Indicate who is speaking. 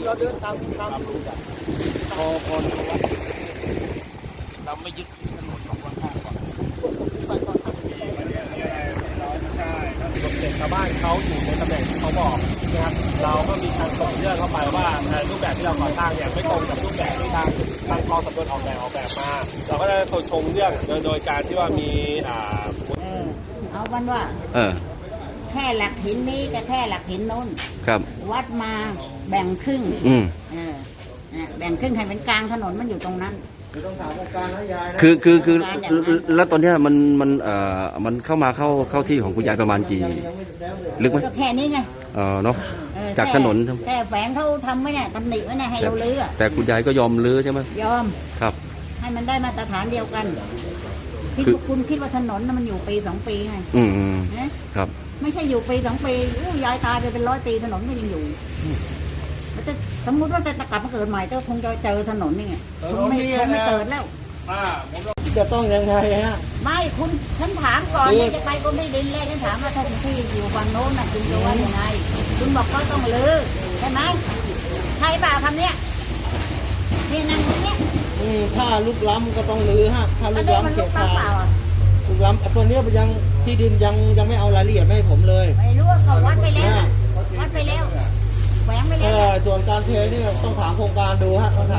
Speaker 1: เราเดินตาม
Speaker 2: พอเราไม่ยึดถนนของข้างๆก่อนเด็กชาวบ้านเขาอยู่ในตำแหน่งที่เขาบอกนะครับเราก็มีการส่งเรื่องเข้าไปว่ารูปแบบที่เราก่อสร้างเนี่ยไม่ตรงกับรูปแบบที่ทางกองสำรวจออกแบบมาเราก็ได้ชงเรื่องโดยการที่ว่ามี
Speaker 3: เอาวันว่าแค่หลักหินนี้กับแค่หลักหินโน้น
Speaker 4: ครับ
Speaker 3: วัดมาแบ่งครึ่งแบ่งครึ่งให้เป็นกลางถนนมันอยู่ตรงนั้น
Speaker 1: ต้องถามองค์การนะยายนะ
Speaker 4: คือแล้วตอนนี้มันเข้ามาเข้าที่ของคุณยายประมาณกี่ลึกไหม
Speaker 3: ก็แค่นี้ไง
Speaker 4: เนาะจากถนน
Speaker 3: แค่แฝงเขาทำไว้เนี่ยตำหนิไว้เนี่ยให้เราลื้อ
Speaker 4: แต่คุณยายก็ยอมลื้อใช่ไหม
Speaker 3: ยอม
Speaker 4: ครับ
Speaker 3: ให้มันได้มาตรฐานเดียวกันคุณคิดว่าถนนมันอยู่ปี2 ปีไง
Speaker 4: ครับ
Speaker 3: ไม่ใช่อยู่ปี2 ปียายตายไปเป็น100 ปีถนนก็ยังอยู่แต่สมมุติว่าจะกลับมาเกิดใหม่ก็คงจะเจอถนนนี่ไงคงไม่เกิดแล้ว
Speaker 1: จะต้องยังไงฮะ
Speaker 3: ไม่คุณฉันถามก่อนจะไปกรมที่ดินเลยฉันถามว่าถ้าคุณที่อยู่ฝั่งโน้นน่ะคุณจะว่ายังไงคุณบอกก็ต้องลื้อใช่ไหมใช่ป่ะคำเนี้ยนี่นั่งตรงเนี้ย
Speaker 1: ถ้าลุกล้ำก็ต้องลื้อฮะถ้าลุกล้ำเขตทางลุกล้ำตัวนี้ยังที่ดินยังไม่เอารายละเอียดให้ผมเลย
Speaker 3: ไม่รู้ว่าเขาวัดไปแล้วแหวงไปแล้ว
Speaker 1: ส่วนการเทนี่ต้องถามโครงการดูฮะ